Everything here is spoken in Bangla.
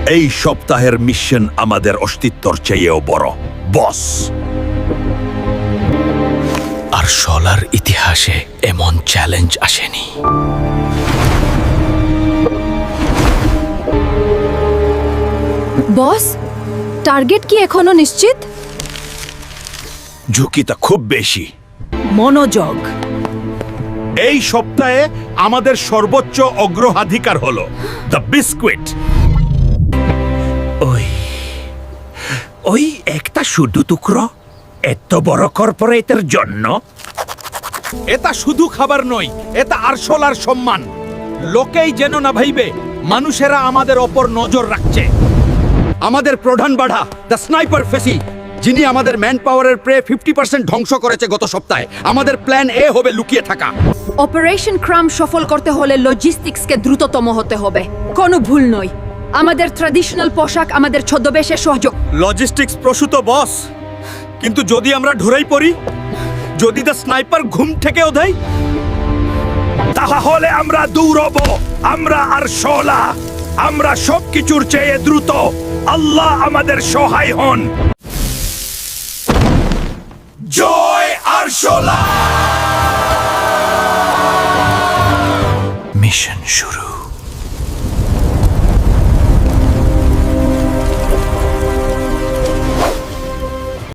এই সপ্তাহের মিশন আমাদের অস্তিত্বর চেয়েও বড়, বস। আর শলার ইতিহাসে এমন চ্যালেঞ্জ আসেনি। বস, টার্গেট কি এখনো নিশ্চিত? ঝুঁকিটা খুব বেশি। মনোযোগ। এই সপ্তাহে আমাদের সর্বোচ্চ অগ্রাধিকার হলো দ্য বিস্কুইট। ওই একটা শুধু টুকরো এত বড় কর্পোরেটের জন্য। এটা শুধু খাবার নয়, এটা আরশোলার সম্মান। লোকেই যেন না ভাইবে মানুষেরা আমাদের ওপর নজর রাখছে। আমাদের প্রধান বাধা দ্য স্নাইপার ফেসি, যিনি আমাদের ম্যান পাওয়ারের প্রায় 50% ধ্বংস করেছে গত সপ্তাহে। আমাদের প্ল্যান এ হবে লুকিয়ে থাকা। অপারেশন ক্রাম সফল করতে হলে লজিস্টিক্সকে দ্রুততম হতে হবে। কোনো ভুল নয়। আমাদের ট্র্যাডিশনাল পোশাক আমাদের ছদ্মবেশে সহযোগ। লজিস্টিক্স প্রসূত বস, কিন্তু যদি আমরা ঢুরাই পড়ি, যদি দ্য স্নাইপার ঘুম থেকেও দেয়, তাহলে আমরা দৌড়ব। আমরা আরশোলা, আমরা সবকিছুর চেয়ে দ্রুত। আল্লাহ আমাদের সহায় হন। জয় আরশোলা। মিশন শুরু।